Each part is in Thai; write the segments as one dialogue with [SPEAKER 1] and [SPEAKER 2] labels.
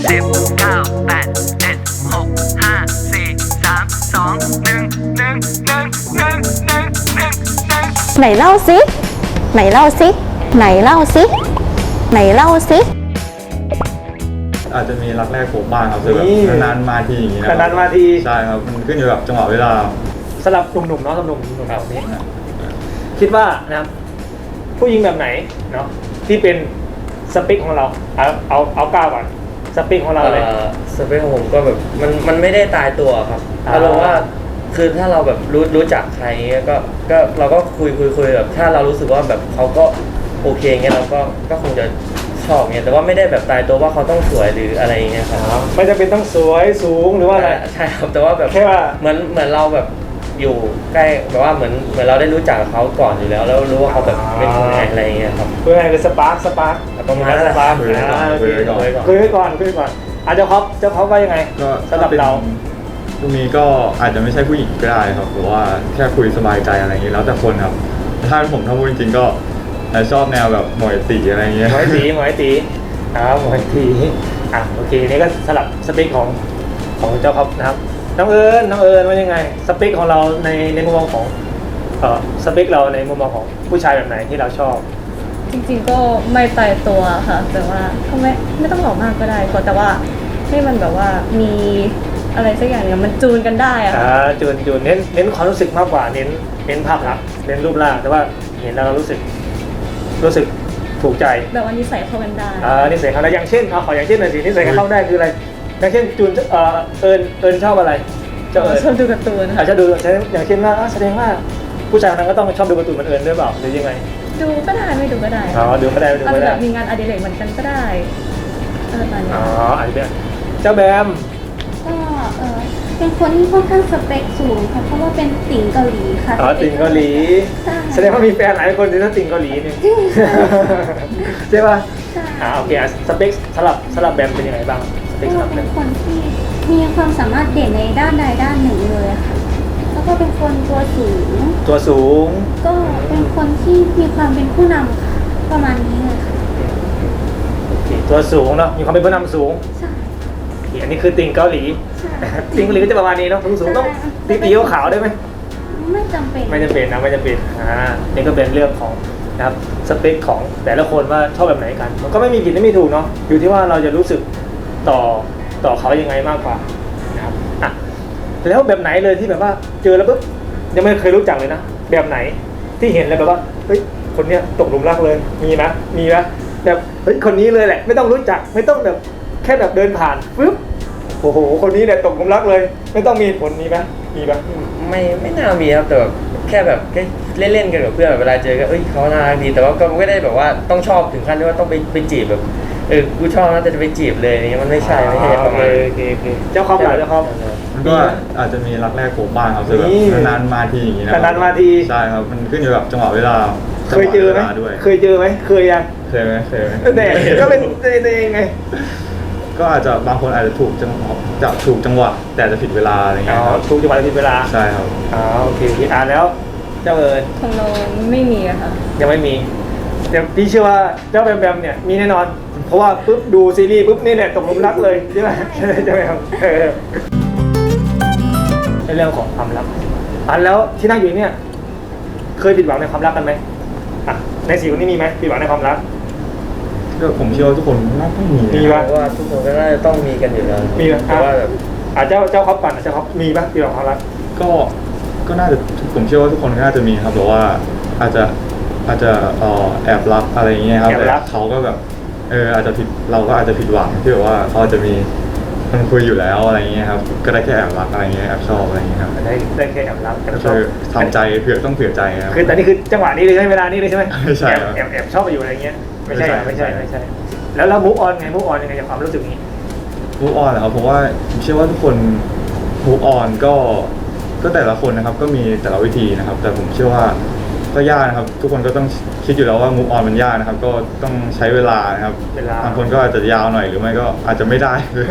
[SPEAKER 1] 10 9 8 7 6 5 4 3 2 1 1
[SPEAKER 2] ไหนเล่าสิไหนเล่าสิไหนเล่าสิไหนเล่าสิ
[SPEAKER 3] อาจจะมีรักแรกพบบ้างครับคือแบบนานๆมาทีอย่างนี้นะ
[SPEAKER 4] นานๆมาที
[SPEAKER 3] ใช่ครับมันขึ้นอยู่กับจังหวะเวลา
[SPEAKER 4] สำหรับหนุ่มๆเนาะสำหรับหนุ่มๆแบบนี้คิดว่านะครับผู้หญิงแบบไหนเนาะที่เป็นสเปคของเราเอาก้าวก่อนสเปคของเราเลย
[SPEAKER 5] สเปคของผมก็แบบมันไม่ได้ตายตัวครับ
[SPEAKER 4] อ่า
[SPEAKER 5] อารมณ์ว่าคือถ้าเราแบบรู้จักใครเงี้ยก็เราก็คุยแบบถ้าเรารู้สึกว่าแบบเขาก็โอเคเงี้ยเราก็คงจะชอบเงี้ยแต่ว่าไม่ได้แบบตายตัวว่าเขาต้องสวยหรืออะไรเงี้ยครับ
[SPEAKER 4] ไม่จำเป็นต้องสวยสูงหรือว่าอะไร
[SPEAKER 5] ใช่ครับแต่ว่าแบบ
[SPEAKER 4] แค่ว่า
[SPEAKER 5] เหมือนเราแบบอยู่ใกล้แบบว่าเหมือนเราได้รู้จักเขาก่อนอยู่แล้วแล้วรู้ว่าเขาแบบเป็นยังไงอะไรเงี้ยครับ
[SPEAKER 4] เพื่ออะไรคือสปาร์ค
[SPEAKER 5] ประมาณนั้น
[SPEAKER 4] สปาร์ค
[SPEAKER 3] คุยไว้ก่อน
[SPEAKER 4] คุยไว้ก่อนเจ้าครอปว่ายังไง
[SPEAKER 3] ก็
[SPEAKER 4] สำหรับเรา
[SPEAKER 3] ตรงนี้ก็อาจจะไม่ใช่ผู้หญิงก็ได้ครับหรือว่าแค่คุยสบายใจอะไรอย่างนี้แล้วแต่คนครับถ้าผมพูดจริงๆก็ชอบแนวแบบหมวยตีอะไรอย่างเงี้ย
[SPEAKER 4] หมวยตีหมวยตีโอเคนี่ก็สลับสเปคของเจ้าครอปนะครับน้องเอิญว่ายังไงสเปคของเราในมุมมองของสเปคเราในมุมมองของผู้ชายแบบไหนที่เราชอบ
[SPEAKER 2] จริงๆก็ไม่ตายตัวค่ะแต่ว่าก็ไม่ต้องหล่อมากก็ได้แต่ว่าให้มันแบบว่ามีอะไรสักอย่างเนี่ยมันจูนกันได้อะค่ะ
[SPEAKER 4] จูนเน้นความรู้สึกมากกว่าเน้นภาพลักษณ์เน้นรูปร่างแต่ว่าเห็นแล้วเรารู้สึกถูกใจ
[SPEAKER 2] แบบว่านิสัยเข้ากันได้
[SPEAKER 4] นิสัยเขาได้อย่างเช่นขออย่างเช่นหน่อยสินิสัยเข้าได้คืออะไรอย่างเช่นจูนเอิญชอบอะไรเจ้าเอิญ
[SPEAKER 2] ชอบดูการ์ตูน
[SPEAKER 4] อาจจะดูอย่างเช่นว่าแสดงว่าผู้ชายคนนั้นก็ต้องชอบดูการ์ตูนเหมือนเอิญด้วยเปล่าหรือยังไง
[SPEAKER 2] ดูก็ได้ไม่ดูก็ได้
[SPEAKER 4] ดูก็ได้ไม่ดู
[SPEAKER 2] อาจ
[SPEAKER 4] ก็
[SPEAKER 2] จะแบ
[SPEAKER 4] ได้
[SPEAKER 2] บมีงานอดิเรกเหมือนกันก็ได้อะไรประมาณนี้
[SPEAKER 4] อันนี้เจ้าแบม
[SPEAKER 6] ก็เป็นคนที่ค่อนข้างสเปคสูงค่ะเพราะว่าเป็นติ่งเกาหลีค่ะ
[SPEAKER 4] ติ่งเกาหลี
[SPEAKER 6] ใช่
[SPEAKER 4] แสดงว่ามีแฟนหลายคนที่ติ่งเกาหลีนี่ใช่ป่ะ
[SPEAKER 6] ใช่
[SPEAKER 4] โอเคสเปคสลับแบมเป็นยังไงบ้างสเปค
[SPEAKER 6] ก็
[SPEAKER 4] สลับแบ
[SPEAKER 6] เป็น
[SPEAKER 4] ม
[SPEAKER 6] คนที่มีความสามารถเด่นในด้านใดด้านหนึ่งเลยค่ะ แล้วก็เป็นคนตัวสูง ก็เป็นคนที่มีความเป็นผู้นำค่ะประมาณนี้เลยค่ะ
[SPEAKER 4] ตัวสูงเนาะมีความเป็นผู้นำสูง
[SPEAKER 6] ใช่
[SPEAKER 4] อันนี้คือติ่งเกาหลี
[SPEAKER 6] ใช่
[SPEAKER 4] ติ่งเกาหลีก็จะประมาณนี้เนาะสูงต้องตีขาวได้ไหม
[SPEAKER 6] ไม่จำเป็น
[SPEAKER 4] ไม่จำเป็นนี่ก็เป็นเรื่องของนะครับสเปคของแต่ละคนว่าชอบแบบไหนกันมันก็ไม่มีผิดไม่มีถูกเนาะอยู่ที่ว่าเราจะรู้สึกต่อเขายังไงมากกว่านะครับแล้วแบบไหนเลยที่แบบว่าเจอแล้วปุ๊บยังไม่เคยรู้จักเลยนะแบบไหนที่เห็นแล้วแบบว่าเฮ้ยคนเนี้ยตกหลุมรักเลยมีนะแบบเฮ้ยคนนี้เลยแหละไม่ต้องรู้จักไม่ต้องแบบแค่แบบเดินผ่านปุ๊บโอ้โหคนนี้เนี่ยตกหลุมรักเลยไม่ต้องมีผลมีไหม
[SPEAKER 5] ไม่น่ามีครับแต่แบบแค่เล่นๆกันกับเพื่อนแบบเวลาเจอก็เขาน่ารักดีแต่ว่าก็ไม่ได้แบบว่าต้องชอบถึงขั้นที่ว่าต้องไปจีบแบบกูชอบนะแต่จะไปจีบเลยอย่างเงี้ยมันไม่ใช่ประมาณ
[SPEAKER 4] โอเคเจ้าครอบเจ้าครอบ
[SPEAKER 3] มันก็อาจจะมีรักแรกพบบ้างครับคือแบบนานๆมาทีอย่างนี้นะ
[SPEAKER 4] นานๆมาที
[SPEAKER 3] ใช่ครับมันขึ้นอยู่กับจังหวะเวลา
[SPEAKER 4] เคยเจอไหม
[SPEAKER 3] จังวะวลาด้วย
[SPEAKER 4] เคยยัง
[SPEAKER 3] เคยไหม
[SPEAKER 4] แต่ก็เป็นตัวเองไง
[SPEAKER 3] ก็อาจจะบางคนอาจจะถูกจังหวะแต่จะผิดเวลาอะไรเงี้ยครับ
[SPEAKER 4] ถูกจังหวะผิดเวลา
[SPEAKER 3] ใช่ครับ
[SPEAKER 4] โอเคแล้วเจ้าเอิญ
[SPEAKER 2] ของเราไม่มีอะค่ะ
[SPEAKER 4] ยังไม่มีแต่พี่เชื่อว่าเจ้าแบมเนี่ยมีแน่นอน เพราะว่าปุ๊บดูซีรีส์ปุ๊บนี่แหละตกหลุมรักเลยใช่ไหมใช่ไหมครับในเรื่องของความรักแล้วที่นั่งอยู่เนี่ยเคยผิดหวังในความรักกันไหมใน4คนนี้มีไหมผิดหวังในความรัก
[SPEAKER 3] ก็ผมเชื่อว่าทุกคนน่าต้องมี
[SPEAKER 4] มี
[SPEAKER 5] เพ
[SPEAKER 4] ปะ
[SPEAKER 5] ราะว่าทุกคนก็น่าจะต้องมีกันอยู่แล้ว
[SPEAKER 4] มีปะ
[SPEAKER 5] แต่ว่าแบบ
[SPEAKER 4] เจ้าครอบก่อนเจ้าครอบมีปะผิดหวังความรัก
[SPEAKER 3] ก็น่าจะผมเชื่อว่าทุกคนก็น่าจะมีครับแต่ว่าอาจจะแอบรักอะไรอย่างเงี้ยครับแต่เขาก็แบบอาจจะผิดเราก็อาจจะผิดหวังที่แบบว่าเขาจะมีคนคุยอยู่แล้วอะไรเงี้ยครับก็ได้แค่แอบรักอะไรเงี้ยแอบชอบอะไรเงี้ยครับ
[SPEAKER 4] ได้แค่แอบรัก
[SPEAKER 3] ก็คือทำใจเผื่อใจครับ
[SPEAKER 4] คือแต่นี่คือจังหวะนี้เลยใช่ไหมเวลานี้เลยใช่ไหม
[SPEAKER 3] ไม่ใช่ครับ
[SPEAKER 4] แอบชอบไปอยู่อะไรเงี้ยไม่ใช่
[SPEAKER 3] ไม่ใช่
[SPEAKER 4] แล้วมูฟออนยังไงจากความรู้สึกนี้
[SPEAKER 3] มูฟออนเหรอครับเพราะว่าผมเชื่อว่าทุกคนมูฟออนก็แต่ละคนนะครับก็มีแต่ละวิธีนะครับ แต่ผมเชื่อว่าก็ยากนะครับทุกคนก็ต้องคิดอยู่แล้วว่ามูฟออนมันยากนะครับก็ต้องใช้เวลานะครับบางคนก็อาจจะยาวหน่อยหรือไม่ก็อาจจะไม่ได้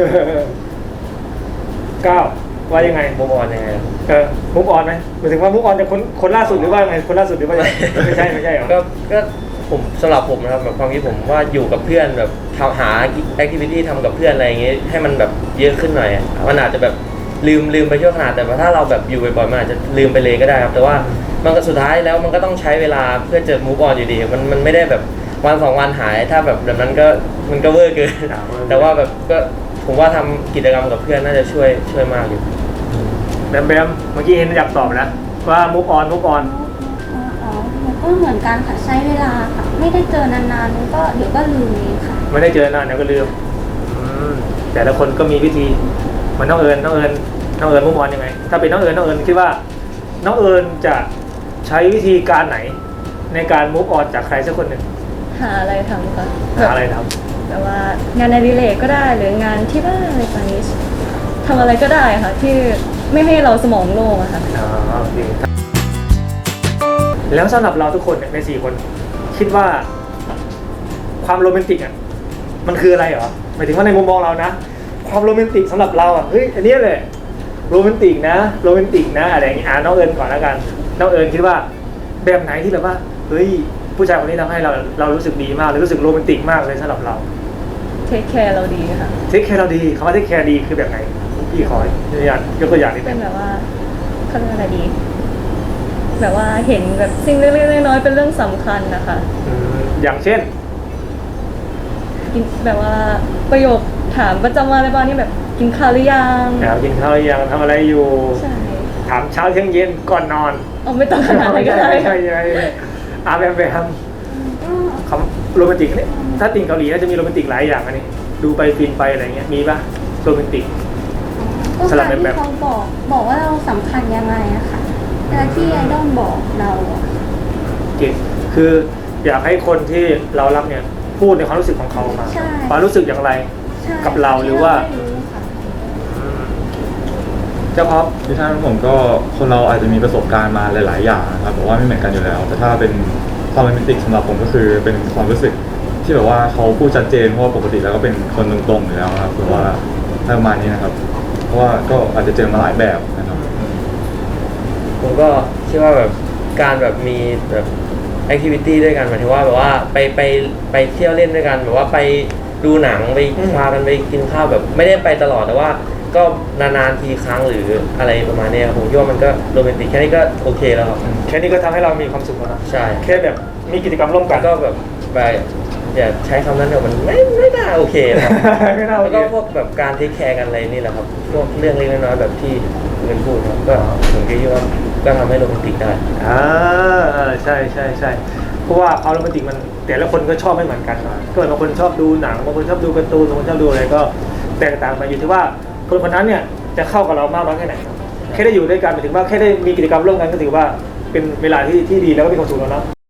[SPEAKER 4] ก้าวว่ายังไง
[SPEAKER 5] มุมออนยังไง
[SPEAKER 4] มูฟออนไหมหมายถึงว่ามูฟออนจากคนล่าสุดหรือว่าไงคนล่าสุดหรือว่าไม่ใช่เหรอ
[SPEAKER 5] ก็ผมสำหรับผมนะครับแบบความคิดผมว่าอยู่กับเพื่อนแบบหาแอคทิวิตี้ทำกับเพื่อนอะไรอย่างงี้ให้มันแบบเยอะขึ้นหน่อยมันอาจจะแบบลืมไปชั่วขณะแต่ว่าถ้าเราแบบอยู่บ่อยๆมันอาจจะลืมไปเลยก็ได้ครับแต่ว่ามันก็สุดท้ายแล้วมันก็ต้องใช้เวลาเพื่อจะ move on อยู่ดีมันไม่ได้แบบวัน2 วันหายถ้าแบบนั้นก็มันก็เวอร์เกินแต่ว่าแบบก็ผมว่าทำกิจกรรมกับเพื่อนน่าจะช่วยมากอยู่
[SPEAKER 4] แบมเมื่อกี้เห็นอยากตอบนะว่า move on
[SPEAKER 6] มันก็เหมือนกันค่ะใช้เวลาค่ะ ไม่ได้เจอนานๆมันก็เดี๋ยวก็ลืมเองค่ะ
[SPEAKER 4] ไม่ได้เจอนานเดี๋ยวก็ลืมแต่ละคนก็มีวิธีเหมือนน้องเอิญ move on ยังไงถ้าเป็นน้องเอิญคิดว่าน้องเอิญจะใช้วิธีการไหนในการ move on จากใครสักคนหนึ่ง
[SPEAKER 2] หาอะไรทำค่ะ
[SPEAKER 4] หาอะไรท
[SPEAKER 2] แต่ว่างานในรีเลทก็ได้หรืองานที่บ้านอะไรแบบนี้ทำอะไรก็ได้ค่ะ ที่ไม่ให้เราสมองโล่งอะค่ะ
[SPEAKER 4] ำโอเคแล้วสำหรับเราทุกคนเนี่ยใน4 คนคิดว่าความโรแมนติกอ่ะมันคืออะไรเหรอหมายถึงว่าในมุมมองเรานะความโรแมนติกสำหรับเราอ่ะเฮ้ยอันนี้เลยโรแมนติกนะอะไรอย่างงี้น้องเอิญก่อนแล้วกันน้องเอิญคิดว่าแบบไหนที่แบบว่าเฮ้ยผู้ชายคนนี้ทำให้เรารู้สึกดีมากเลยรู้สึกโรแมนติกมากเลยสำหรับเรา
[SPEAKER 2] เทคแคร์เราดีค่ะ
[SPEAKER 4] เทคแคร์เราดีคำว่าเทคแคร์ดีคือแบบไหนพี่ขอยกตัวอย่างนิดนึ
[SPEAKER 2] เป็น
[SPEAKER 4] ง
[SPEAKER 2] แบบว่าเขาเรียกอะไรดี แบบว่าเห็นแบบสิ่งเล็กๆน้อยๆเป็นเรื่องสำคัญนะคะ
[SPEAKER 4] อย่างเช่น
[SPEAKER 2] กินแบบว่าประโยคถามประจำวันอะไรบ้างที่แบบกินข้าวหรือยัง
[SPEAKER 4] กินข้าวหรือยังทำอะไรอยู่
[SPEAKER 2] ใช่
[SPEAKER 4] ถามเช้าเที่ยงเย็นก่อนนอน
[SPEAKER 2] เอาไม่ต้องขนาดนั้นก็ได้
[SPEAKER 4] ใช่แบบคำโรแมนติกนี่ถ้าติ่งเกาหลีน่าจะมีโรแมนติกหลายอย่างอันนี้ดูไปฟินไปอะไรเงี้ยมีปะโรแมนติก
[SPEAKER 6] ก็
[SPEAKER 4] สลั
[SPEAKER 6] กา
[SPEAKER 4] บ
[SPEAKER 6] ร
[SPEAKER 4] แบบ
[SPEAKER 6] ที่เขาบอกว่าเราสำคัญยังไงอะค่ะเวลาที่ไอดอลบอกเราอะ
[SPEAKER 4] เก่งคืออยากให้คนที่เรารักเนี่ยพูดในความรู้สึกของเขามา
[SPEAKER 6] ใช่
[SPEAKER 4] ความรู้สึกอย่างไร
[SPEAKER 6] ใช่
[SPEAKER 4] กับเราหรือว่า
[SPEAKER 6] ที่เไม่รู้ค่ะ
[SPEAKER 4] เจ้าพร้อม
[SPEAKER 3] ที่ท่านผมก็คนเราอาจจะมีประสบการณ์มาหลาย ๆ อย่างนะครับแต่ว่าไม่เหมือนกันอยู่แล้ว แต่ถ้าเป็นความโรแมนติกสำหรับผมก็คือเป็นความรู้สึกที่แบบว่าเขาพูดชัดเจนเพราะว่าปกติแล้วก็เป็นคนตรงๆอยู่แล้วนะครับหรือว่าประมาณนี้นะครับ เพราะว่าก็อาจจะเจอมาหลายแบบนะครับ
[SPEAKER 5] ผมก็คิดว่าแบบการแบบมีแบบแอคทิวิตี้ด้วยกันหมายถึงว่าแบบว่าไปเที่ยวเล่นด้วยกันแบบว่าไปดูหนังไปพากันไปกินข้าวแบบไม่ได้ไปตลอดแต่ว่าก็นานๆทีครั้งหรืออะไรประมาณนี้ครับผมคิดว่ามันก็โรแมนติกแค่นี้ก็โอเคแล้วครับ
[SPEAKER 4] แค่นี้ก็ทำให้เรามีความสุขแล้วนะ
[SPEAKER 5] ใช่
[SPEAKER 4] แค่แบบมีกิจกรรมร่วมกั
[SPEAKER 5] แล้
[SPEAKER 4] น
[SPEAKER 5] วก็แบบไปอย่าใช้คำนั้นเดี๋ยวมันไม่น่าโอเคนะครับ
[SPEAKER 4] ไม่น่าโอ
[SPEAKER 5] แล้ว
[SPEAKER 4] เค
[SPEAKER 5] ก็พวกแบบการเทคแคร์กันอะไรนี่แหละครับพวกเรื่องเล็กน้อยๆแบบที่เงินพูดครับก็ผมคิดว่าก็ทำให้โรแมนติกได้
[SPEAKER 4] ใช่เพราะว่าความโรแมนติกมันแต่ละคนก็ชอบไม่เหมือนกันนะก็บางคนชอบดูหนังบางคนชอบดูการ์ตูนบางคนชอบดูอะไรก็แตกต่างไปอยู่ที่ว่าคนคนนั้นเนี่ยจะเข้ากับเรามากน้อยแค่ไหนแค่ได้อยู่ด้วยกันหมายถึงว่าแค่ได้มีกิจกรรมร่วมกันก็ถือว่าเป็นเวลาที่ดีแล้วก็มีความสุขแล้วเนาะ